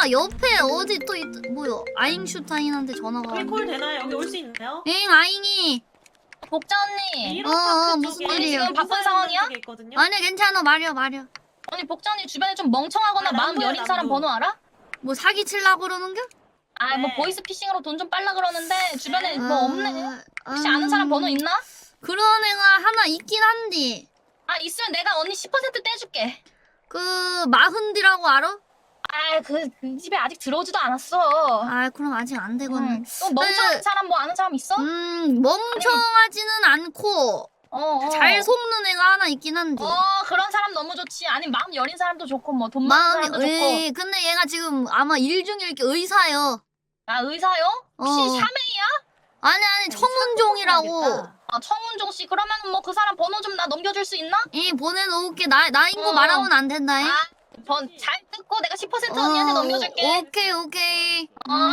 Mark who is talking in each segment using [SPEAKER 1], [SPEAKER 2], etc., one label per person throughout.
[SPEAKER 1] 옆에 어디 또 뭐야? 아잉슈타인한테 전화가
[SPEAKER 2] 여기 콜 되나요? 여기 올 수 있나요?
[SPEAKER 1] 응 아잉이.
[SPEAKER 3] 복자 언니.
[SPEAKER 1] 무슨
[SPEAKER 2] 쪽에
[SPEAKER 1] 일이에요?
[SPEAKER 3] 지금 바쁜 상황이야?
[SPEAKER 2] 쪽에 있거든요.
[SPEAKER 1] 아니 괜찮아 말려.
[SPEAKER 3] 언니 복자 언니 주변에 좀 멍청하거나
[SPEAKER 2] 아,
[SPEAKER 3] 마음
[SPEAKER 2] 남부야,
[SPEAKER 3] 여린 사람
[SPEAKER 2] 남부.
[SPEAKER 3] 번호 알아?
[SPEAKER 1] 뭐 사기 칠라고 그러는겨?
[SPEAKER 3] 뭐
[SPEAKER 2] 네.
[SPEAKER 3] 보이스 피싱으로 돈 좀 빨라 그러는데 주변에 뭐 없네. 혹시
[SPEAKER 1] 음,
[SPEAKER 3] 아는 사람 번호 있나?
[SPEAKER 1] 그런 애가 하나 있긴 한디.
[SPEAKER 3] 있으면 내가 언니 10% 떼줄게.
[SPEAKER 1] 그 마흔디라고 알아?
[SPEAKER 3] 그 집에 아직 들어오지도 않았어.
[SPEAKER 1] 아 그럼 아직 안 되거든.
[SPEAKER 3] 또 멍청한 사람 뭐 아는 사람 있어?
[SPEAKER 1] 멍청하지는 않고 잘 속는 애가 하나 있긴 한데.
[SPEAKER 3] 그런 사람 너무 좋지. 아니 마음 여린 사람도 좋고 뭐 돈 많은 사람도 좋고.
[SPEAKER 1] 근데 얘가 지금 아마 일 중에 이렇게 의사요.
[SPEAKER 3] 의사요? 혹시 샤메이야?
[SPEAKER 1] 아니 청운종이라고.
[SPEAKER 3] 청운종 씨 그러면 뭐 그 사람 번호 좀 나 넘겨줄 수 있나?
[SPEAKER 1] 보내놓을게. 나인 거 말하면 안 된다.
[SPEAKER 3] 잘 듣고 내가 10% 언니한테 넘겨줄게.
[SPEAKER 1] 오케이.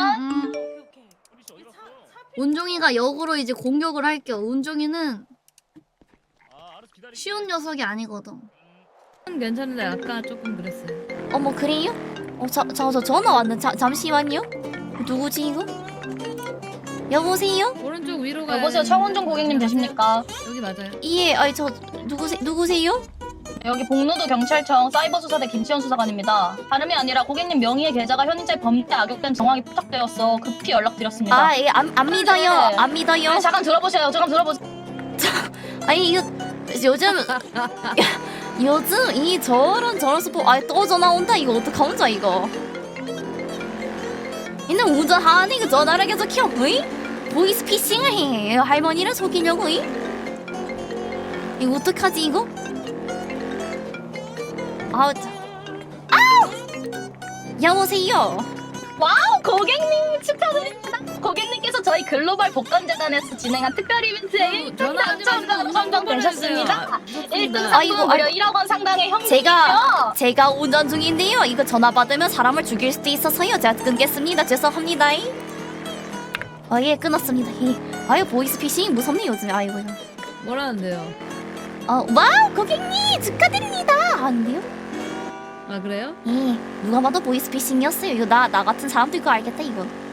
[SPEAKER 1] 운종이가 역으로 이제 공격을 할게요. 운종이는 쉬운 녀석이 아니거든.
[SPEAKER 4] 괜찮은데 아까 조금 그랬어요.
[SPEAKER 5] 어머 그래요? 저 전화 왔는데 잠시만요. 누구지 이거? 여보세요?
[SPEAKER 4] 오른쪽 위로 가요.
[SPEAKER 3] 여보세요 청운종 고객님 되십니까?
[SPEAKER 4] 여기 맞아요.
[SPEAKER 5] 예, 아니 저 누구세요?
[SPEAKER 3] 여기 복로도 경찰청 사이버수사대 김치현 수사관입니다. 다름이 아니라 고객님 명의의 계좌가 현인자의 범죄에 악용된 정황이 포착되었어 급히 연락드렸습니다.
[SPEAKER 5] 예, 안 믿어요.
[SPEAKER 3] 네.
[SPEAKER 5] 안 믿어요.
[SPEAKER 3] 잠깐 들어보세요.
[SPEAKER 5] 아니 이거 요즘 이 저런 스포 또 전화 온다 이거 어떡하면 좋아 이거. 근데 운전하는 그 전화를 계속 켜. 어이? 보이스 피싱을 해. 할머니를 속이려고. 어이? 이거 어떡하지 이거? 여보세요.
[SPEAKER 3] 와우 고객님 축하드립니다. 고객님께서 저희 글로벌 복권재단에서 진행한 특별 이벤트에
[SPEAKER 4] 전화하지 마시고 우선
[SPEAKER 3] 당첨되셨습니다.
[SPEAKER 4] 무섭습니다.
[SPEAKER 3] 1등
[SPEAKER 5] 아이고,
[SPEAKER 3] 상품 무려 1억 원 상당의 현금이요.
[SPEAKER 5] 제가 운전 중인데요. 이거 전화 받으면 사람을 죽일 수도 있어서요. 제가 끊겠습니다. 죄송합니다. 예, 끊었습니다. 보이스 피싱 무섭네 요즘에. 아이고.
[SPEAKER 4] 뭐라는데요?
[SPEAKER 5] 와우 고객님 축하드립니다. 하는데요?
[SPEAKER 4] 아 그래요?
[SPEAKER 5] 누가 봐도 보이스 피싱이었어요. 이거 나 같은 사람도 이거 알겠다 이거.